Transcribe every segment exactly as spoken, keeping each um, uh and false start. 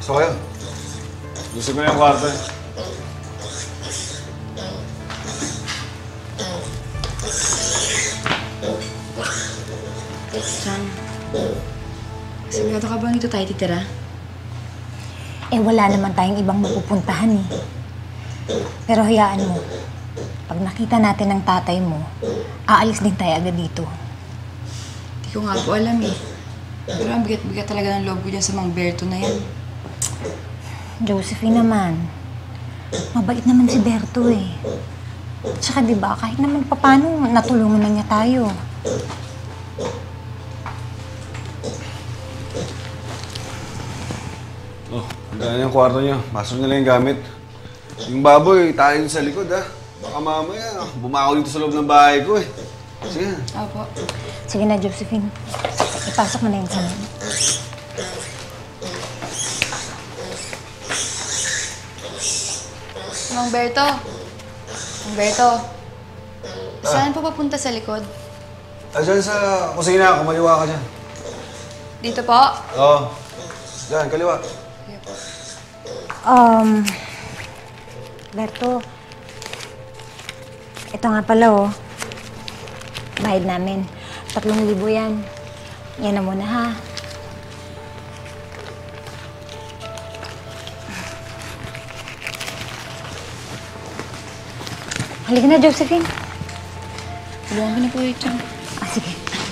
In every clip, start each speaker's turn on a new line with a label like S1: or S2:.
S1: Gusto kayo?
S2: Gusto ko yung kwarto eh.
S3: San, sigurado ka bang dito tayo titira?
S4: Eh, wala naman tayong ibang mapupuntahan eh. Pero hayaan mo, pag nakita natin ang tatay mo, aalis din tayo agad dito.
S3: Hindi ko nga po alam eh. Pero ang bigat-bigat talaga ng loob ko dyan sa Mang Berto na yan.
S4: Josephine naman, mabait naman si Berto eh. Tsaka diba, kahit naman paano, natulungan na niya tayo.
S2: Oh, hanggang yung kwarto niyo. Pasok nila yung gamit. Yung baboy, tayo sa likod ha. Baka mamaya, bumakaw dito sa loob ng bahay ko eh. Sige.
S3: Opo.
S4: Sige na, Josephine. Ipasok mo na yun sa mga.
S3: Mang Berto. Mang Berto. Saan po papunta sa likod?
S1: Ah, dyan sa kusina, kumaliwa ka dyan.
S3: Dito po?
S1: Oo. Dyan, kaliwa.
S3: Sige po.
S4: Um, Berto, ito nga pala oh. Bayad namin. Tatlong libo yan. Yan na muna ha. Halika na, Josephine.
S3: Tulungan ko na po ito.
S4: Ah, sige.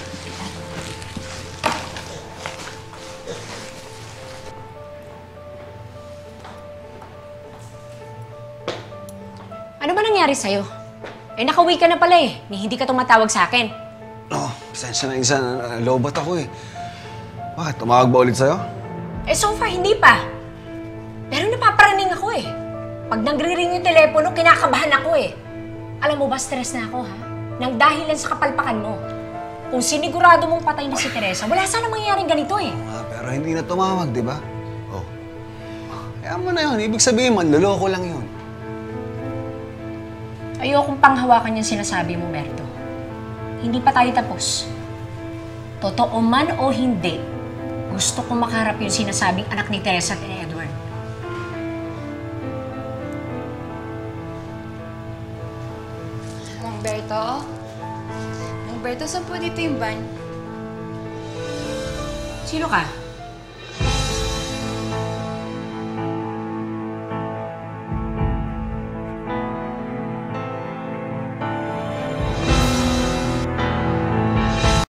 S5: Ano ba nangyari sa'yo? Eh, nakauwi ka na pala eh. Ni hindi ka tumatawag sa akin.
S1: Oo, oh, pasensya na isa. Lobat ako eh. Bakit? Tumawag ba ulit sa'yo?
S5: Eh, so far, hindi pa. Pero napaparaning ako eh. Pag nagre-ring yung telepono, kinakabahan ako eh. Alam mo ba, stress na ako ha? Nang dahil lang sa kapalpakan mo. Kung sinigurado mong patay na si Teresa, wala sana mangyayaring ganito eh.
S1: Ah, pero hindi na tumawag, di ba? Oh. Kaya mo na yun. Ibig sabihin, manloloko lang yun.
S5: Ayokong panghawakan yung sinasabi mo, Berto. Hindi pa tayo tapos. Totoo man o hindi, gusto kong makaharap yung sinasabing anak ni Teresa at ni Edward.
S3: Mang Berto? Mang Berto, saan po dito yung van?
S5: Sino ka?